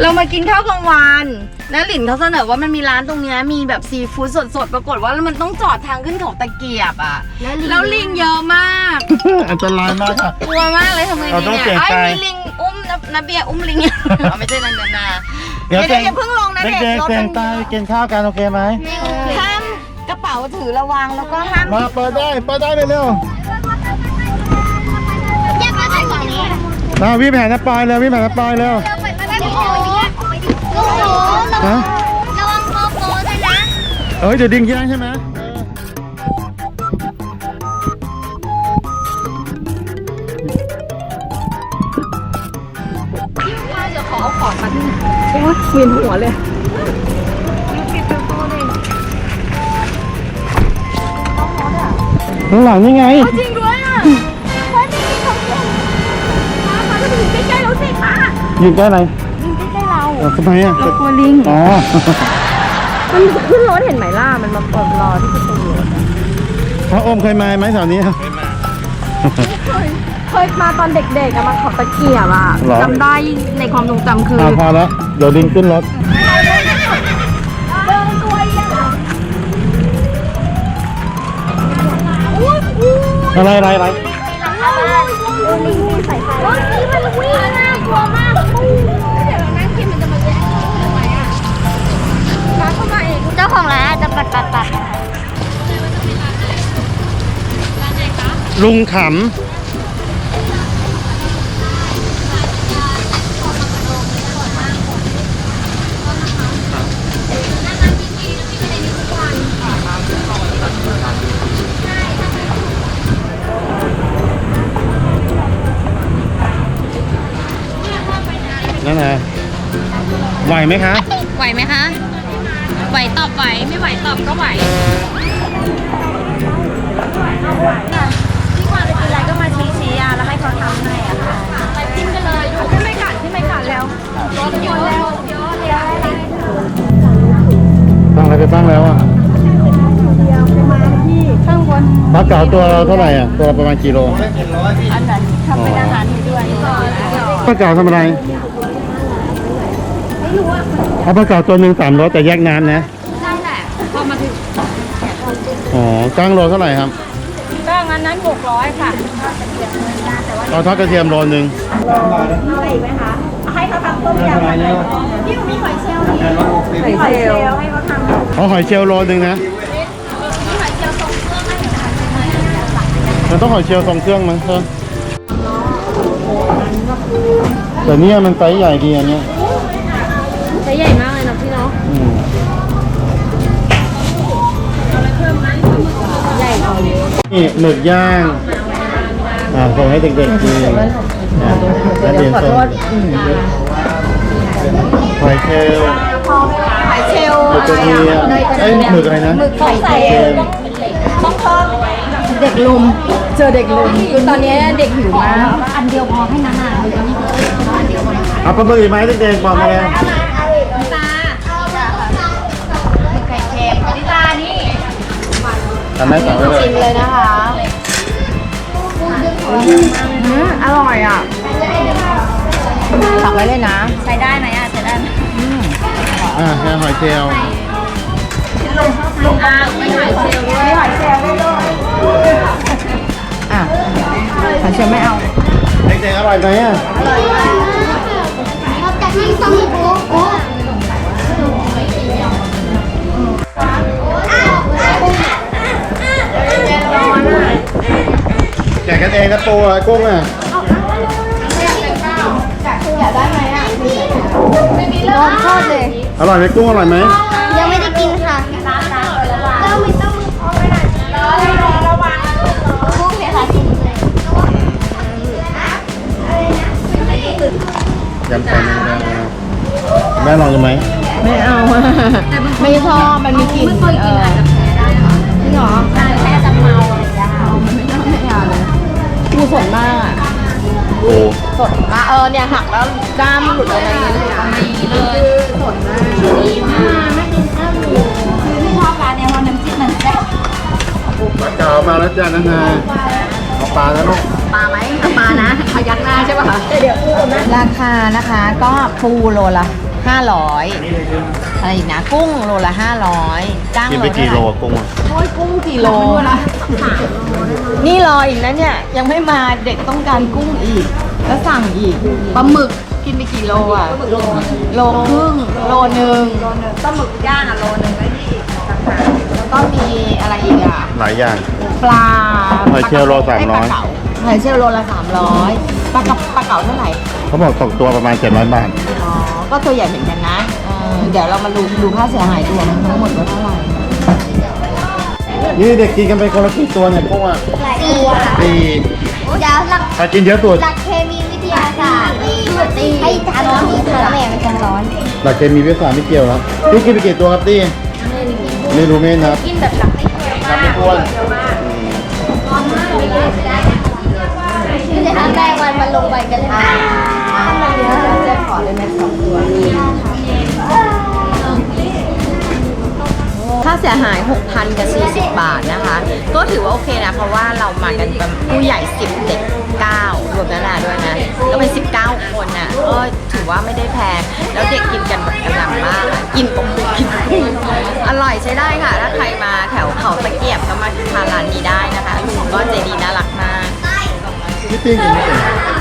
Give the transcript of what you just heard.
เรามากินข้าวกลางวันนะหลินเขาเสนอว่ามันมีร้านตรงนี้มีแบบซีฟู้ดสดๆปรากฏว่ามันต้องจอดทางขึ้นเขาตะเกียบอ่ะแล้วลิงเยอะมากอันตรายมากค่ะกลัวมากเลยทำไงดีเนี่ยไอ้มีลิงอุ้มนะเบียร์อุ้มลิงไม่ใช่นันนาเดี๋ยวอย่าเพิ่งลงนะเด็กรถมันกินข้าวกันโอเคไหมห้ามกระเป๋าถือระวังแล้วก็ห้ามมาเปิดได้เร็วแยกมาใส่ฝั่งนี้มาวิ่งแผนน้ำปลายเร็ววิ่งแผนน้ำปลายเร็วลูกหนูฮะระวังโกโก้ด้วยนะเดี๋ยวดิ้งแย่งใช่ไหมเวียนหัวเลยข้างหลังนี่ไงจริงด้วยอ่ะป้าจะมีของเล่นป้าจะไปอยู่ใกล้ๆเราสิป้ายืนใกล้ไหนลิงใกล้ๆเราทำไมอ่ะเรากลัวลิงอ๋อมันขึ้นรถเห็นไหมล่ะมันมาเปิดรอที่ประตูรถพระอมเคยมาไหมแถวนี้เคยมาตอนเด็กๆอะมาเขาตะเกียบอะหรอจำได้ในความทรงจำคือพอแล้วเดี๋ยวดิ้งขึ้นรถอะไรลิงมีสายไฟรถนี้มันวิ่งน่ากลัวมากเดี๋ยวเรานั่งคิดมันจะมาแย่งทำไมอ่ะร้านเข้ามาเองเจ้าของร้านจะปัดลุงขำนั่นไงไหวไหมคะไหวไหมคะ ไหวตอบไหวไม่ไหวตอบก็ไหวที่ความเป็นอะไรก็มาชี้ๆแล้วให้เขาทำให้อ่ะค่ะจิ้มกันเลยดูขึ้นไม่ขันแล้วรถอยู่แล้วเดี๋ยวตั้งอะไรไปบ้างแล้วอ่ะข้างบนปลาเก๋าตัวเราเท่าไหร่อ่ะตัวประมาณกิโลอันนั้นทำเป็นอาหารให้ด้วยปลาเก๋าทำอะไรเอาปลาเก๋าตัวหนึ่ง300แต่แยกน้ำนะนั่นแหละพอมาถึงอ๋อก้างโลเท่าไหร่ครับก็งั้นนั้น600ค่ะเอาทอดกระเทียมโลนึงให้เขาทำต้มยำอะไรที่มีหอยเชลล์นี่หอยเชลล์ให้เขาทำเอาหอยเชลล์โลนึงนะมันต้องหอยเชลล์ทรงเครื่องมั้งเธอแต่เนี่ยมันไซส์ใหญ่ดีอันเนี้ยใช้ใหญ่มากเลยนะพี่เนาะอืมใหญ่กว่านี้นี่หมึกย่างส่งให้เด็กๆกินแล้วเรียนส่งหอยเชลล์หอยเชลล์หมึกกระเทียมหมึกอะไรนะหมึกไข่เค็มเด็กลุมเจอเด็กลุมคือตอนนี้เด็กหิวมากอันเดียวพอให้นานาอันเดียวพอเอาปลาหมึกอีกไหมเด็กๆบอกมาเลยตาหมึกไข่เค็มนิตานี่ทำได้สั่งไว้เลยชิมเลยนะคะอร่อยอ่ะตักไว้เลยนะใช้ได้ไหมอ่ะใช้ได้ไหมแค่หอยเชลล์ลุงไม่หอยเชลล์ด้วยหอยเชลล์ได้ด้วยหอยเชลล์ไม่เอาเด็กๆอร่อยไหมอ่ะเราจะนั่งต้องโกโก้แจกกันเองนะปูอ่ะกุ้งอ่ะอยากได้ไหมอ่ะรสชาติเลยอร่อยไหมกุ้งอร่อยไหมยังไม่ได้กินค่ะเราไม่ต้องมือพอไปหน่อยระวังกุ้งเนี่ยค่ะกินเลยยำไข่แมงดาแม่ลองดูไหมไม่เอาไม่ชอบมันมีกลิ่นจริงเหรอแค่จะเมาเลยไม่เอาเลยกูสดมากอ่ะโอ้สดมากเนี่ยหักแล้วกล้ามหลุดอะไรอย่างเงี้ยเลยสดมากดีมากไม่กินข้าวหมูไม่ชอบร้านเนี่ยเพราะน้ำจิ้มมันแซ่บปลาเก๋ามาแล้วจ้านะฮะเอาปลาแล้วลูกปลาไหมปลานะพยักหน้าใช่ป่ะคะเดี๋ยวราคานะคะก็ปูโลละ 500อะไรอีกนะกุ้งโลละ500จ้างกินโลไปเท่ากี่ไหโลร่กุ้งอะโอ้ยกุ้งกี่โลนี่รออีกนะเนี่ยยังไม่มาเด็กต้องการกุ้งอีกแล้วสั่งอีกปลาหมึกกินไปกี่โลอ่ะโลครึ่งโลนึงปลาหมึกย่างอ่ะโลนึงแล้วนี่แล้วก็มีอะไรอีกอ่ะหลายอย่างปลาหอยเชลล์โล300 ปลาเก๋าหอยเชลล์โลละ300ปลาเก๋าเท่าไหร่เขาบอกตกตัวประมาณ700 บาทอ๋อก็ตัวใหญ่เหมือนกันนะเดี๋ยวเรามาดูค่าเสียหายรวมทั้งหมดว่าเท่าไหร่นี่เด็กกินกันไปคนละกี่ตัวเนี่ยกุ้งอ่ะหลายตัวค่ะสี่เดี๋ยวหลักใครกินเยอะสุดหลักเคมีวิทยาศาสตร์ให้ทานร้อนนี้ค่ะแม่มันจะร้อนหลักเคมีวิทยาศาสตร์ไม่เกี่ยวแล้วพี่กินไปกี่ตัวครับตี้ไม่รู้ไม่นับกินแบบหลักไม่เกี่ยวนับไม่ถ้วนคือจะทำแรงมันลงไปกันเลยเดี๋ยวจะขอเลยแม่2 ตัวค่าเสียหาย 6,000 กับ 40 บาทนะคะ ก็ถือว่าโอเคนะ เพราะว่าเรามากันเป็นผู้ใหญ่ 10 เด็ก 9 รวมนานาด้วยนะ ก็เป็น 19 คนน่ะก็ถือว่าไม่ได้แพง แล้วเด็กกินกันแบบกระหน่ำมากอะกินปกติกินอร่อยใช้ได้ค่ะ ถ้าใครมาแถวเขาตะเกียบก็มาทานร้านนี้ได้นะคะลุงก็ใจดีน่ารักมากพี่ตี้กินไม่เป็น